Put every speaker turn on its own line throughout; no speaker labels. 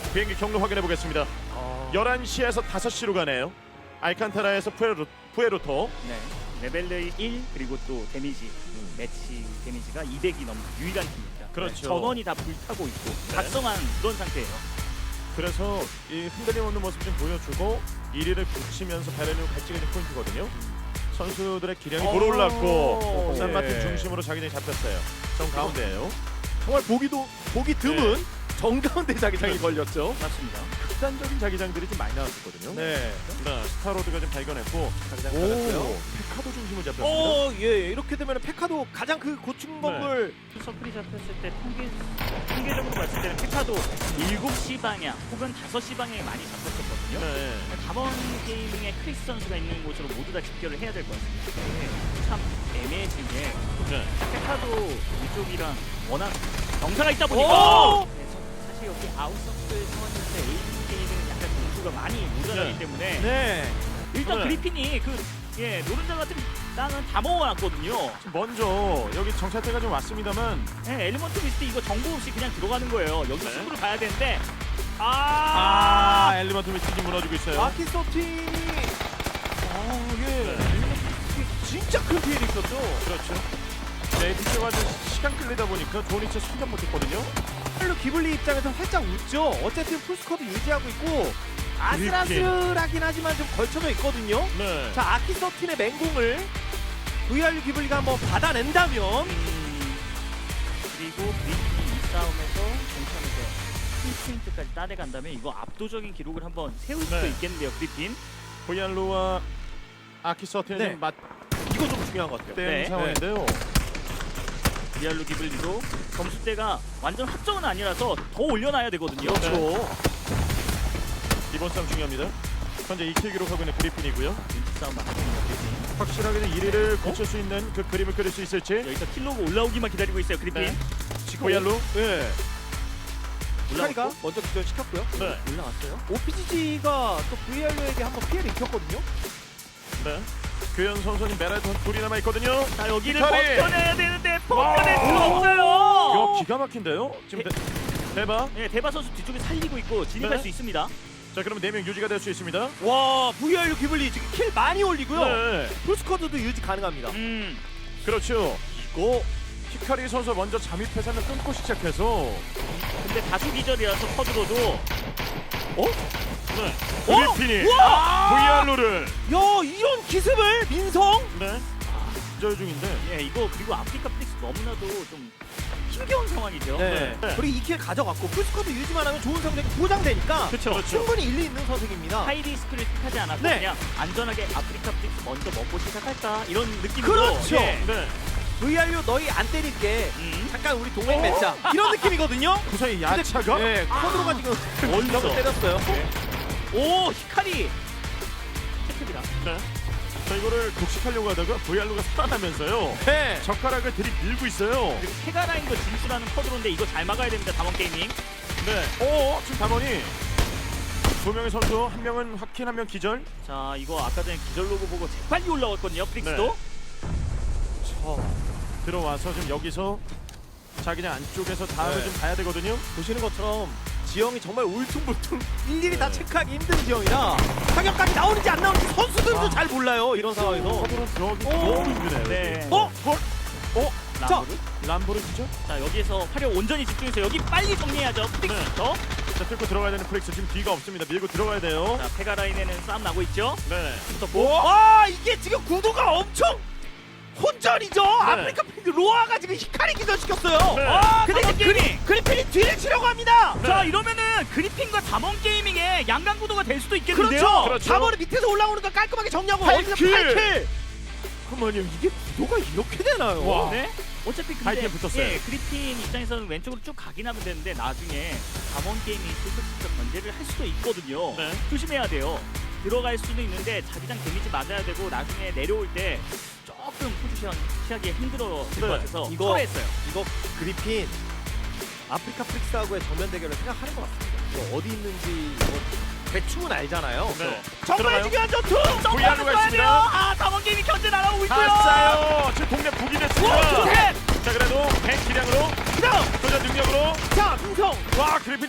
비행기 경로 확인해 보겠습니다. 11시에서 5시로 가네요. 알칸타라에서 푸에로토.
네. 레벨 1 그리고 또 데미지 매치 데미지가 200이 넘는 유일한 팀입니다.
그렇죠.
네, 전원이 다 불타고 있고 각성한 그런 상태예요.
그래서 이 흔들림 없는 모습 좀 보여주고 1위를 붙이면서 베르누 갈치가 좀 포인트거든요. 선수들의 기량이 돌아올랐고 산마틴
예.
중심으로 자기장이 잡혔어요. 정 가운데예요.
정말 보기 드문 정가운데 자기장이 걸렸죠.
맞습니다.
극단적인 자기장들이 좀 많이 나왔었거든요.
네.
스타로드가 좀 발견했고 자기장
오.
받았어요. 페카도 중심을 잡혔습니다.
예. 이렇게 되면 페카도 가장 그 고충 건물
서클이 잡혔을 때 통계적으로 봤을 때는 페카도 7시 방향 혹은 5시 방향에 많이 잡혔었거든요.
네.
다번 게이밍의 크리스 선수가 있는 곳으로 모두 다 집결을 해야 될 것 같습니다. 네, 참 애매해진 게
네.
페카도 이쪽이랑 워낙 경사가 있다 보니까
오!
네, 사실 여기 아웃서클 상황일 때 에이스 게임은 약간 점수가 많이 모자라기
네.
때문에
네.
일단
네.
그리핀이 노른자 같은 땅은 다 먹어놨거든요.
지금 먼저 여기 정찰대가 좀 왔습니다만
네, 엘리먼트 미스트 이거 정보 없이 그냥 들어가는 거예요. 여기
네.
승부를 가야 되는데
엘리먼트 미스틱이 무너지고 있어요.
아키서틴이
네.
진짜 큰 피해를 있었죠.
그렇죠. 네, 뒤쪽가 시간 끌리다 보니까 좋은 위치에 순간 못했거든요.
별로 기블리 입장에서 살짝 웃죠. 어쨌든 풀스쿼드 유지하고 있고 아슬아슬하긴 하지만 좀 걸쳐져 있거든요.
네.
자, 아키서틴의 맹공을 VRU 기블리가 한번 받아낸다면
그리고 그리핀이 이 싸움에서 괜찮아서 1포인트까지 따내간다면 이거 압도적인 기록을 한번 세울 수도
네.
있겠는데요. 그리핀.
보이안루와 아키서틴이
네.
좀 맞대는
이거 좀 중요한 것 같아요.
네.
상황인데요.
리알로 기블리도 점수대가 완전 확정은 아니라서 더 올려놔야 되거든요.
그렇죠. 이번 싸움 중요합니다. 현재 2킬 기록하고 있는 그리핀이고요.
윈치 싸움 맞습니다. 그리핀.
확실하게 1위를 고칠 수 있는 그 그림을 그릴 수 있을지.
여기서 킬로그 올라오기만 기다리고 있어요. 그리핀.
네. 보이안루.
네. 히카리가
올라왔고.
먼저 기절시켰고요.
네.
올라왔어요.
OPGG가 또 VRU에게 한번 피해를 입혔거든요.
네. 교현 선수님 메랄 둘이 남아 있거든요.
자 여기를
히카리!
버텨내야 되는데
와!
버텨낼 수가
이거
없어요.
기가 막힌데요. 지금 대박.
네, 대바 선수 뒤쪽에 살리고 있고 진입할
네.
수 있습니다.
자, 그러면 4명 유지가 될 수 있습니다.
와, VRU 기블리 지금 킬 많이 올리고요.
네.
풀스쿼드도 유지 가능합니다.
그렇죠. 이거 히카리 선수 먼저 잠입해서 한번 끊고 시작해서
근데 다수 기절이라서 커드로도
네.
어?
그리핀이
우와!
VR로를
야, 이런 기습을 민성?
네. 기절 중인데.
예 이거 그리고 아프리카 플릭스 너무나도 좀 힘겨운 상황이죠.
네.
네.
그리고 2킬 가져갔고 풀스쿼드 유지만 하면 좋은 성적이 보장되니까
그렇죠.
충분히 일리 있는 선택입니다.
하이 리스크를 택하지 않았고
네.
그냥 안전하게 아프리카 플릭스 먼저 먹고 시작할까 이런 느낌으로
그렇죠.
예.
네.
VRU 너희 안 때릴게.
음.
잠깐 우리 동맹 맺자. 이런 느낌이거든요.
그 사이 야차가
네, 코드로가 지금
어디서?
때렸어요.
오 히카리 혜택이다.
네. 자, 이거를 독식하려고 하다가 VR로가 살아나면서요.
네.
젓가락을 들이밀고 있어요.
그리고 페가라인도 진출하는 커드로인데 이거 잘 막아야 됩니다. 담원 게이밍.
네. 지금 담원이 두 명의 선수, 한 명은 확킨, 한 명 기절.
자 이거 아까 전에 기절 로고 보고 재빨리 올라왔거든요. 플릭스도.
네. 들어와서 지금 여기서 자기장 안쪽에서 다음을
네.
좀 봐야 되거든요.
보시는 것처럼 지형이 정말 울퉁불퉁 일일이 다 체크하기 힘든 지형이라 타격감이 나오는지 안 나오는지 선수들도 잘 몰라요. 이런 상황에서.
서브로 들어가기
오.
너무 힘드네요.
네.
헐?
람보르.
람보르 진짜?
자 여기에서 화력 온전히 집중해서 여기 빨리 정리해야죠. 플릭스부터.
자, 뚫고 들어가야 되는 프렉스 지금 뒤가 없습니다. 밀고 들어가야 돼요.
자 페가라인에는 싸움 나고 있죠.
네.
붙었고.
와, 이게 지금 구도가 엄청 혼전이죠.
네.
아프리카 팬들 로아가 지금 히카리 기절시켰어요.
네.
근데
담원
이제
게이밍.
그리핀이 뒤를 치려고 합니다.
네.
자 이러면은 그리핀과 담원 게이밍의 양강 구도가 될 수도 있겠는데요.
그렇죠.
그렇죠.
4번을 밑에서 올라오는 거 깔끔하게 정리하고
팔
어디서
킬.
8킬. 그만요. 이게 구도가 이렇게 되나요?
와.
네. 어차피 근데
하이템 붙었어요.
예, 그리핀 입장에서는 왼쪽으로 쭉 가긴 하면 되는데 나중에 담원 게이밍이 슬쩍슬쩍 견제를 할 수도 있거든요.
네.
조심해야 돼요. 들어갈 수도 있는데 자기장 데미지 맞아야 되고 나중에 내려올 때 조금 포지션 취하기 힘들어질
네.
것 같아서
이거-
철회했어요.
이거 그리핀 아프리카 프릭스하고의 정면 대결을 생각하는 것 같습니다. 이거 어디 있는지 이거 대충은 알잖아요.
네.
정말
들어가요.
중요한 전투!
VR로가 있습니다.
아 담원 게이밍 견제 날아오고 있고요.
아싸요. 지금 동네 북이
오,
됐습니다.
셋!
자, 그래도 100 기량으로
그다음!
도전 능력으로
자, 민성!
와, 그리핀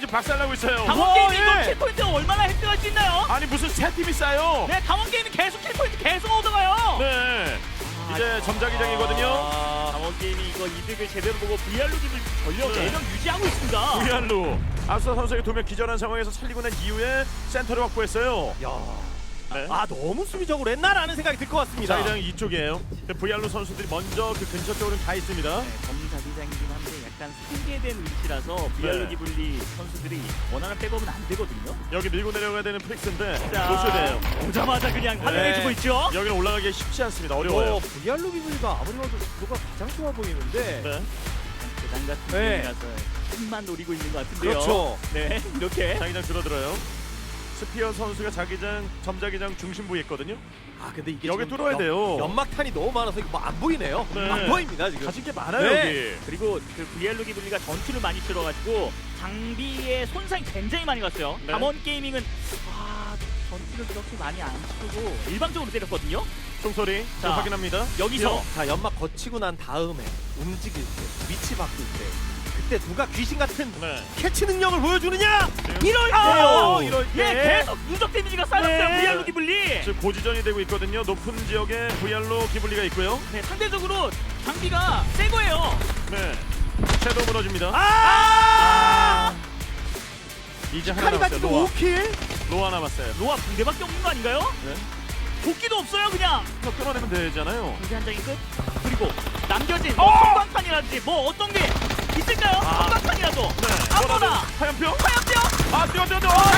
박살나고 있어요.
강원 게임이
예.
이거 킬포인트가 얼마나 획득할 수 있나요?
아니 무슨 세 팀이 쌓여?
네, 강원 게임이 계속 킬포인트 계속 얻어가요.
네. 이제 점자기장이거든요.
강원 게임이 이거 이득을 제대로 보고 VR로 기을 전력
네.
4명 유지하고 있습니다.
VR로 앞서 선수에게 2명 기절한 상황에서 살리고 난 이후에 센터를 확보했어요.
야.
네.
아 너무 수비적으로 했나라는 생각이 들 것 같습니다.
자기장 이쪽이에요. VR로 선수들이 먼저 그 근처 쪽으로 가 있습니다.
네, 점자기장이긴 한데 약간 상계된 위치라서 VR로
네.
기블리 선수들이 원하는 백업은 안 되거든요.
여기 밀고 내려가야 되는 프릭스인데
자,
노쇼돼요.
오자마자 그냥 활용해주고 있죠.
여기는 올라가기 쉽지 않습니다. 어려워요.
VR로 비블리가 아무리 봐도 구도가 가장 좋아 보이는데.
네.
대장 같은
네.
게임이라서 힘만 노리고 있는 것 같은데요.
그렇죠.
네, 이렇게.
자기장 줄어들어요. 스피어 선수가 자기장 점자기장 중심부에 있거든요.
아 근데 이게
여기
지금
뚫어야 돼요.
연막탄이 너무 많아서 이거 뭐 안 보이네요.
네.
안 보입니다 지금.
가진 게 많아요
네.
여기.
그리고 그 VR로 기블리가 전투를 많이 치러가지고 장비에 손상이 굉장히 많이 갔어요.
네.
담원 게이밍은 전투를 그렇게 많이 안 치고 일방적으로 때렸거든요.
총소리
자,
자, 확인합니다.
여기서
자 연막 거치고 난 다음에 움직일 때 위치 바꿀 때 그때 누가 귀신 같은
네.
캐치 능력을 보여주느냐 이럴
아,
때요. 이럴
예,
때.
계속 누적 데미지가 쌓였어요.
네.
VR로 기블리.
지금 고지전이 되고 있거든요. 높은 지역에 VR로 기블리가 있고요.
네, 상대적으로 장비가 새 거예요.
네. 섀도우 무너집니다.
아!
이제 하나
카리가
남았어요.
지금
로아.
5킬.
로아 남았어요.
로아 붕대밖에 없는 거 아닌가요?
네.
도끼도 없어요, 그냥.
저 끊어내면 되잖아요.
붕대 한 장이 끝. 그리고 남겨진 뭐 성광탄이라든지 뭐 어떤 게 있을까요? 성광탄이라도. 아무나.
화염병?
화염병.
아, 뛰어.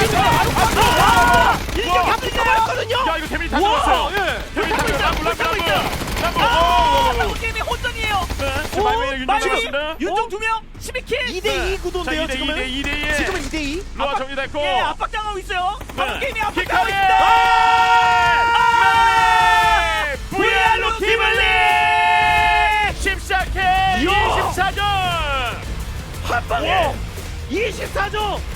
이게
와.
갑자기거든요.
야, 이거 데미지 다 들어왔어요.
예.
데미지 다
하고 있어요.
들어왔어요.
탐구 게임이 혼전이에요.
네. 지금 마이웨이 윤정이었습니다.
윤종 2명 12킬.
2대2 구도인데요
자,
지금은.
2대2.
지금은 2대2.
로아 정리됐고.
예, 압박당하고 있어요. 탐구 게임이 압박당하고
킥하게.
있습니다.
VR로 기블리 14킬 24점.
한 방에 24점.